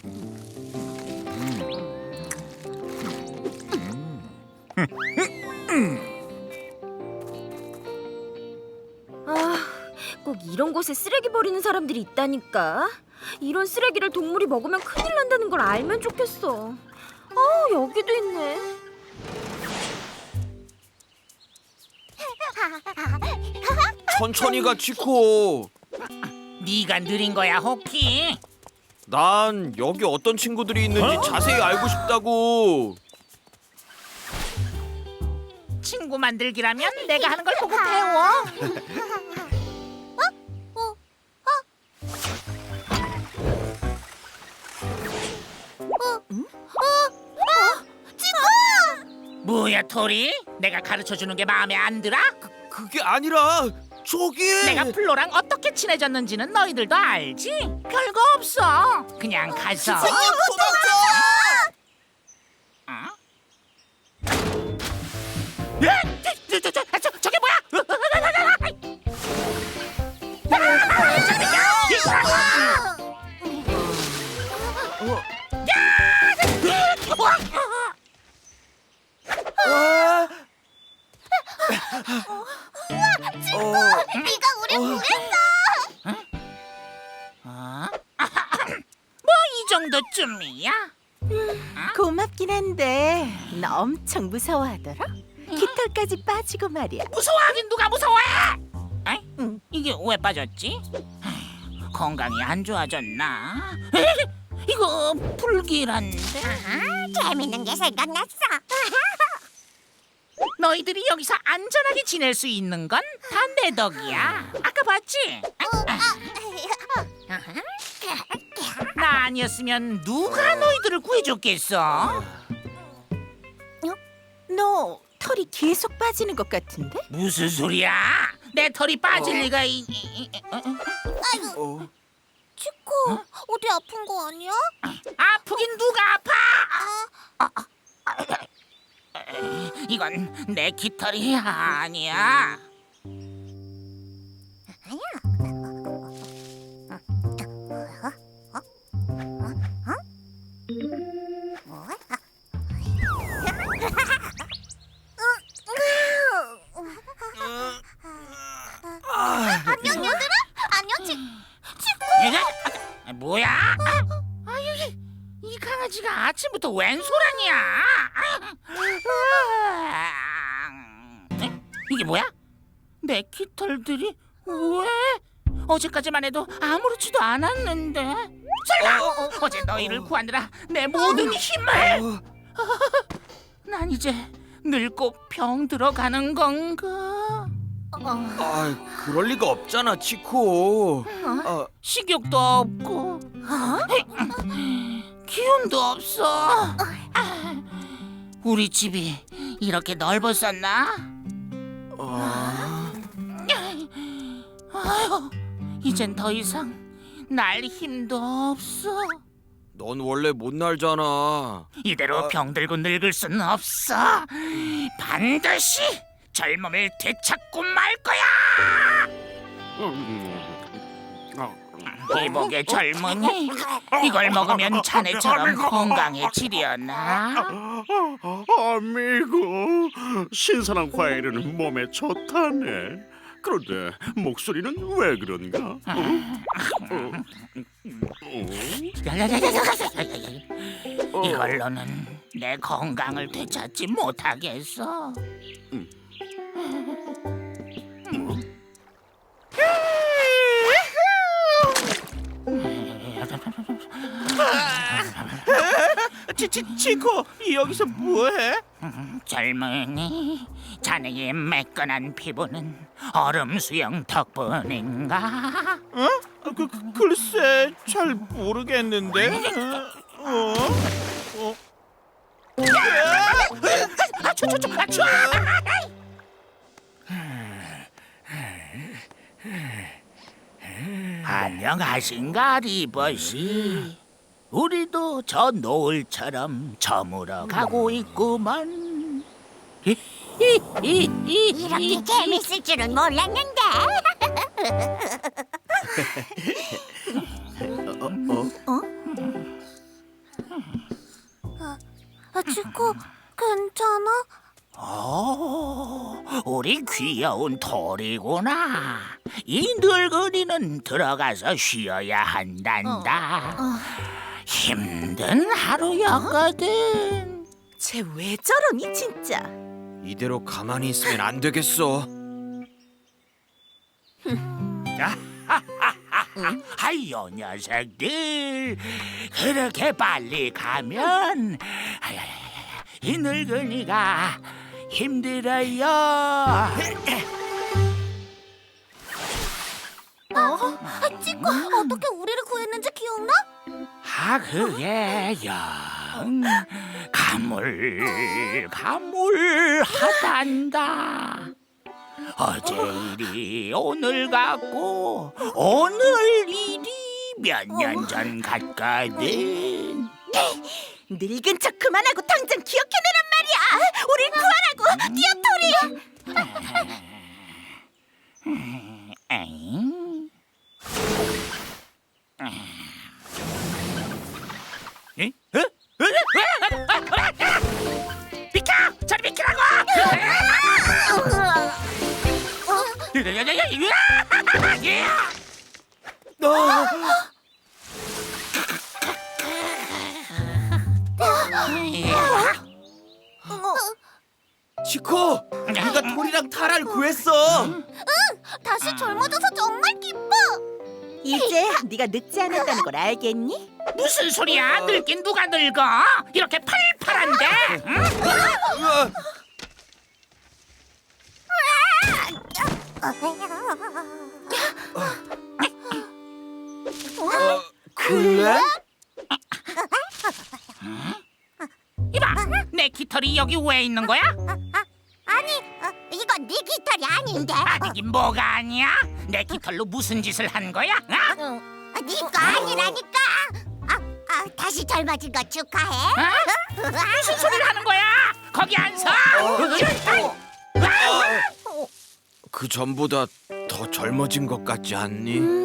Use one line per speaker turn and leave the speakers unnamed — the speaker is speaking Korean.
꼭 이런 곳에 쓰레기 버리는 사람들이 있다니까. 이런 쓰레기를 동물이 먹으면 큰일 난다는 걸 알면 좋겠어. 여기도 있네.
천천히 가, 치코.
네가 느린 거야, 호키.
난 여기 어떤 친구들이 있는지 자세히 알고 싶다고.
친구 만들기라면 내가 하는 걸 보고 배워. 뭐야, 토리? 내가 가르쳐주는 게 마음에 안 들어?
그게 아니라 저기.
내가 플로랑 어떻게 친해졌는지는 너희들도 알지? 별거 없어. 그냥 가서. 어? 저게 뭐야?
네가 우리 구했어.
뭐 이 정도쯤이야?
고맙긴 한데 너 엄청 무서워하더라. 깃털까지 빠지고 말이야.
무서워하긴 누가 무서워해? 에이? 이게 왜 빠졌지? 에이, 건강이 안 좋아졌나? 에이, 이거 불길한데?
재밌는 게 생각났어.
너희들이 여기서 안전하게 지낼 수 있는 건 다 내 덕이야. 아까 봤지? 나 아니었으면 누가 너희들을 구해줬겠어?
너 털이 계속 빠지는 것 같은데?
무슨 소리야? 내 털이 빠질 리가
아이고, 치코, 어디 아픈 거 아니야?
아프긴 누가 아파? 이건 내 깃털이 아니야.
안녕 얘들아. 안녕 치코.
이게 뭐야? 아유, 이 강아지가 아침부터 웬 소란이야? 이게 뭐야? 내 깃털들이 왜? 어제까지만 해도 아무렇지도 않았는데. 설마 어제 너희를 구하느라 내 모든 힘을. 난 이제 늙고 병 들어가는 건가?
그럴 리가 없잖아, 치코.
식욕도 없고 기운도 없어. 우리 집이 이렇게 넓었었나? 아유, 이젠 더 이상 날 힘도 없어.
넌 원래 못 날잖아.
이대로 병들고 늙을 수는 없어. 반드시 젊음을 되찾고 말 거야. 이복의 젊은이, 이걸 먹으면 자네처럼 건강해지려나?
아미고, 신선한 과일은 몸에 좋다네. 그런데 목소리는 왜 그런가?
이걸로는 내 건강을 되찾지 못하겠어.
치코, 여기서 뭐해?
젊은이, 자네의 매끈한 피부는 얼음 수영 덕분인가?
글쎄, 잘 모르겠는데.
안녕하신가, 리버시? 우리도 저 노을처럼 저물어 가고 있구만.
이렇게 재밌을 줄은 몰랐는데. 치코, 괜찮아?
우리 귀여운 털이구나. 이 늙은이는 들어가서 쉬어야 한단다. 힘든 하루였거든.
쟤 왜 저러니 진짜?
이대로 가만히 있으면 안 되겠어.
아유 녀석들, 그렇게 빨리 가면 이 늙은이가 힘들어요.
치코, 어떻게 우리를 구했는지 기억나?
그게 영 가물가물하단다. 어제 일이 오늘 같고 오늘 일이 몇 년 전 같거든.
늙은 척 그만하고 당장 기억해내란 말이야. 우릴 구하라고. 뛰어, 토리.
에잉? 에? 비켜! 저리 비키라고!
치코, 네가 톨이랑 타라를 구했어.
다시 젊어져서 정말 기뻐.
이제 네가 늙지 않았다는 걸 알겠니?
무슨 소리야? 늙긴 누가 늙어? 이렇게 팔팔한데? 응?
그래?
이봐, 내 깃털이 여기 왜 있는 거야?
아니, 이건 네 깃털이 아닌데.
아니긴 뭐가 아니야? 내 깃털로 무슨 짓을 한 거야? 어?
네 거 아니라니까. 다시 젊어진 거 축하해.
무슨 소리를 하는 거야? 거기 안 서!
그 전보다 더 젊어진 것 같지 않니?